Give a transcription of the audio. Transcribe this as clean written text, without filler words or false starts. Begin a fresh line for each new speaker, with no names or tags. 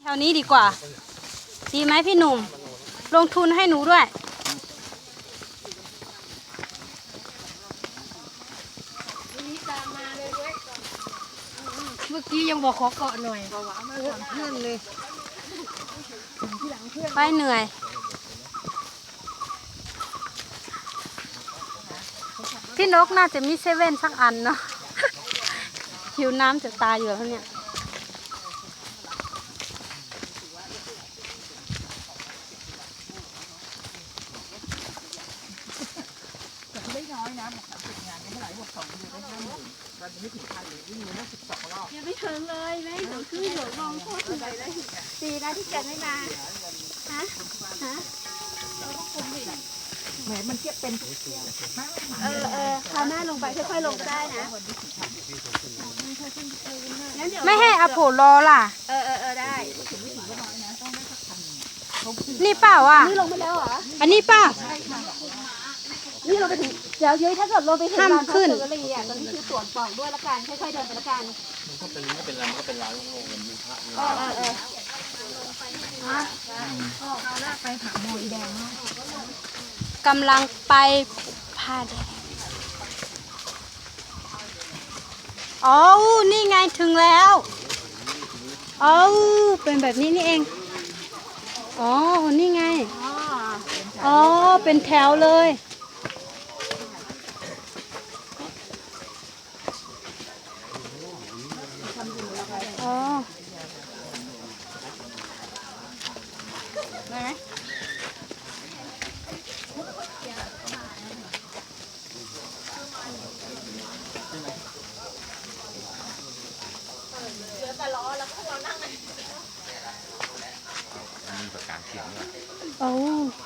ถวนี้ดีกว่าดีไหมพี่หนุ่มลงทุนให้หนูด้วย
เมื่อกี้ยังบอกขอเกาะหน่อยเพื่อนเลย
ไปเหนื่อยพี่นกน่าจะมีเซเว่นสักอันเนาะ หิวน้ำจะตายอยู่แล้วเนี่ย
ไม่น้อยนะบอก30 งานไม่เท่าไหร่บอก2 เดือนได้50,000วันนี้ไม่ถึง1,000เลยวิ่งได้12 รอบ
ยังไม่ถึงเลยแม่เดี๋ยวขึ้นเดี๋ยวลงโคตรเหนื่อยเลยดีนะที่แกไม่มาฮะ
แหมมันเทียบเป็น
พาแม่ลงไปค่อยๆลงก็ได้นะ
ไม่ให้อโผรอล่ะ
ได้
นี่เปล่าอ่ะ
นี่ลงไปแล้วเหรอ
อันนี้เปล่า
นี่เราไปถึงเดี๋ยวยุ้ยถ้าเกิดลงไปถึง
ห้ามขึ้น
ตอนนี้คือสวนปอกด้วยละกันค่อยๆเดินไปละกัน
มันก็เป็นไม่เป็นไรมันก็เป็นร้านโล่งๆมันมีพระมี
เอาลากไปหาหมออีแดงเนาะ
กำลังไปผ้าแดงอ๋อนี่ไงถึงแล้วอ๋อเป็นแบบนี้นี่เองอ๋อนี่ไงอ๋อเป็นแถวเลยอ๋อ
ได้ไหม
มีประกาศเขียนด้วย
โอ้